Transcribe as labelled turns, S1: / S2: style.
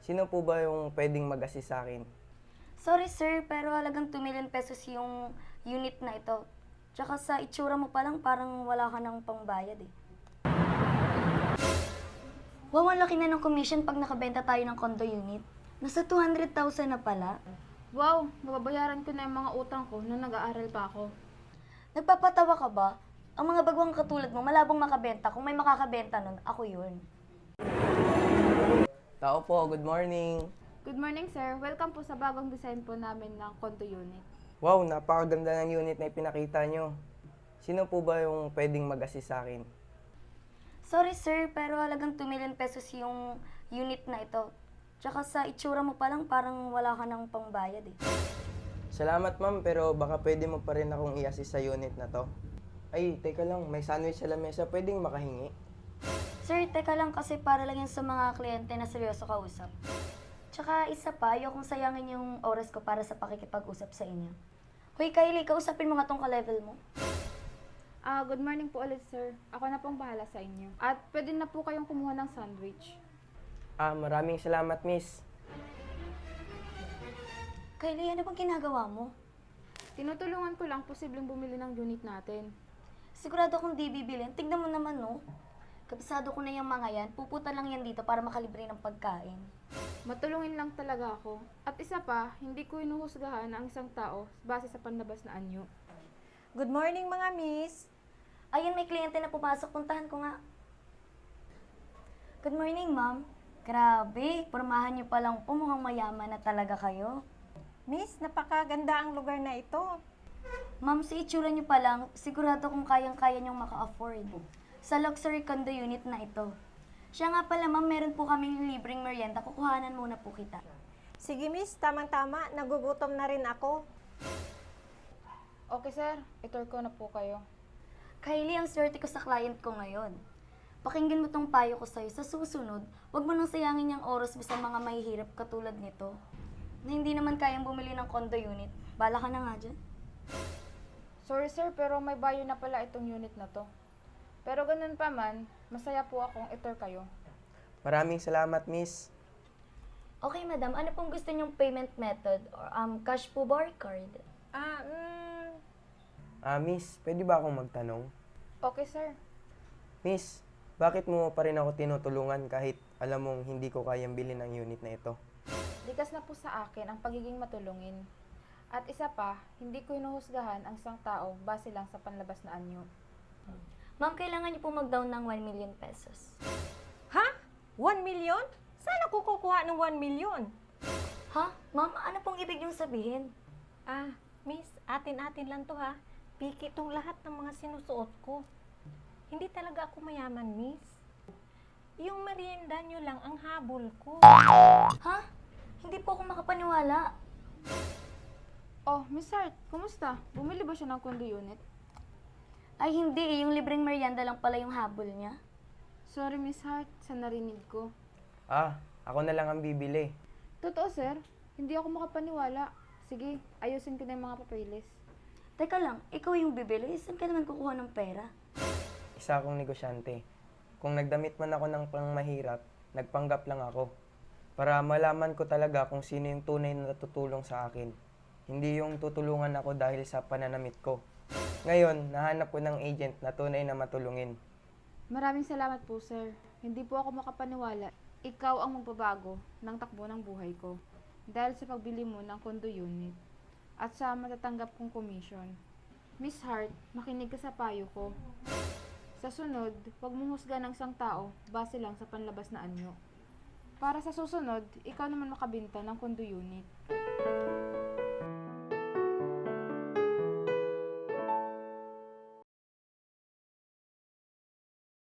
S1: Sino po ba yung pwedeng mag-assist sa akin?
S2: Sorry sir, pero halagang 2 million pesos yung unit na ito. Tsaka sa itsura mo pa lang, parang wala ka ng pangbayad eh. Wow, ang laki na ng commission pag nakabenta tayo ng condo unit. Nasa 200,000 na pala.
S3: Wow, mababayaran ko na yung mga utang ko nung nag-aaral pa ako.
S2: Nagpapatawa ka ba? Ang mga bagwang katulad mo, malabong makabenta. Kung may makakabenta nun, ako yun.
S1: Tao po, good morning.
S3: Good morning, sir. Welcome po sa bagong design po namin ng condo unit.
S1: Wow, napakaganda ng unit na ipinakita nyo. Sino po ba yung pwedeng mag-assist sa akin?
S2: Sorry sir, pero halagang 2 million pesos yung unit na ito. Tsaka sa itsura mo pa lang, parang wala ka ng pangbayad eh.
S1: Salamat ma'am, pero baka pwede mo pa rin akong i-assist sa unit na to. Ay, teka lang, may sandwich sa lamesa, pwedeng makahingi?
S2: Sir, teka lang kasi para lang yan sa mga kliyente na seryoso kausap. Tsaka isa pa, ayokong sayangin yung oras ko para sa pakikipag-usap sa inyo. Hoy Kylie, kausapin mo nga tong ka-level mo.
S3: Good morning po ulit, sir. Ako na pong bahala sa inyo. At pwede na po kayong kumuha ng sandwich.
S1: Maraming salamat miss.
S2: Kylie, ano bang ginagawa mo?
S3: Tinutulungan ko lang posibleng bumili ng unit natin.
S2: Sigurado akong di bibilin. Tignan mo naman, no? Kabisado ko na yung mga yan. Puputa lang yan dito para makalibre ng pagkain.
S3: Matulungin lang talaga ako. At isa pa, hindi ko inuhusgahan ang isang tao base sa panlabas na anyo.
S4: Good morning mga miss.
S2: Ayun, may kliyente na pumasok. Puntahan ko nga. Good morning, ma'am. Grabe, pormahan niyo palang po. Mukhang mayaman na talaga kayo.
S4: Miss, napakaganda ang lugar na ito.
S2: Ma'am, sa itsura niyo pa lang, sigurado kung kayang-kaya niyong maka-afford sa luxury condo unit na ito. Siya nga pala, ma'am, meron po kaming libreng merienda. Kukuhanan muna po kita.
S4: Sige miss, tamang-tama. Nagugutom na rin ako.
S3: Okay, sir. Itour ko na po kayo.
S2: Kylie, ang swerte ko sa client ko ngayon. Pakinggan mo tong payo ko sa'yo. Sa susunod, huwag mo nang sayangin yung oras mo sa mga mahihirap katulad nito na hindi naman kayang bumili ng condo unit. Bala ka na nga dyan.
S3: Sorry, sir, pero may bayo na pala itong unit na to. Pero ganun pa man, masaya po akong itour kayo.
S1: Maraming salamat miss.
S2: Okay, madam. Ano pong gusto niyong payment method? Or cash po ba or card?
S1: Miss, pwede ba akong magtanong?
S3: Okay, sir.
S1: Miss, bakit mo pa rin ako tinutulungan kahit alam mong hindi ko kayang bilhin ang unit na ito?
S3: Likas na po sa akin ang pagiging matulungin. At isa pa, hindi ko hinuhusgahan ang isang tao base lang sa panlabas na anyo.
S2: Ma'am, kailangan niyo po mag-down ng 1 million pesos.
S4: Ha? 1 million? Saan ako kukuha ng 1 million?
S2: Ha? Ma'am, ano pong ibig niyong sabihin?
S4: Miss, atin-atin lang to ha. Piki tong lahat ng mga sinusuot ko. Hindi talaga ako mayaman, miss. Yung merienda nyo lang ang habol ko.
S2: Ha? Hindi po ako makapaniwala.
S3: Oh, Miss Hart, kumusta? Bumili ba siya ng condo unit?
S2: Ay hindi eh, yung libreng merienda lang pala yung habol niya.
S3: Sorry, Miss Hart, sa narinig ko.
S1: Ako na lang ang bibili.
S3: Totoo, sir. Hindi ako makapaniwala. Sige, ayusin ko na yung mga papeles.
S2: Teka lang, ikaw yung bibili? Saan ka naman kukuha ng pera?
S1: Isa akong negosyante. Kung nagdamit man ako ng pangmahirap, nagpanggap lang ako. Para malaman ko talaga kung sino yung tunay na tutulong sa akin. Hindi yung tutulungan ako dahil sa pananamit ko. Ngayon, nahanap ko ng agent na tunay na matulungin.
S3: Maraming salamat po, sir. Hindi po ako makapaniwala. Ikaw ang magbabago ng takbo ng buhay ko. Dahil sa pagbili mo ng condo unit. At sa matatanggap kong commission. Miss Hart, makinig ka sa payo ko. Sa sunod, huwag mong husga ng isang tao base lang sa panlabas na anyo. Para sa susunod, ikaw naman makabinta ng condo unit.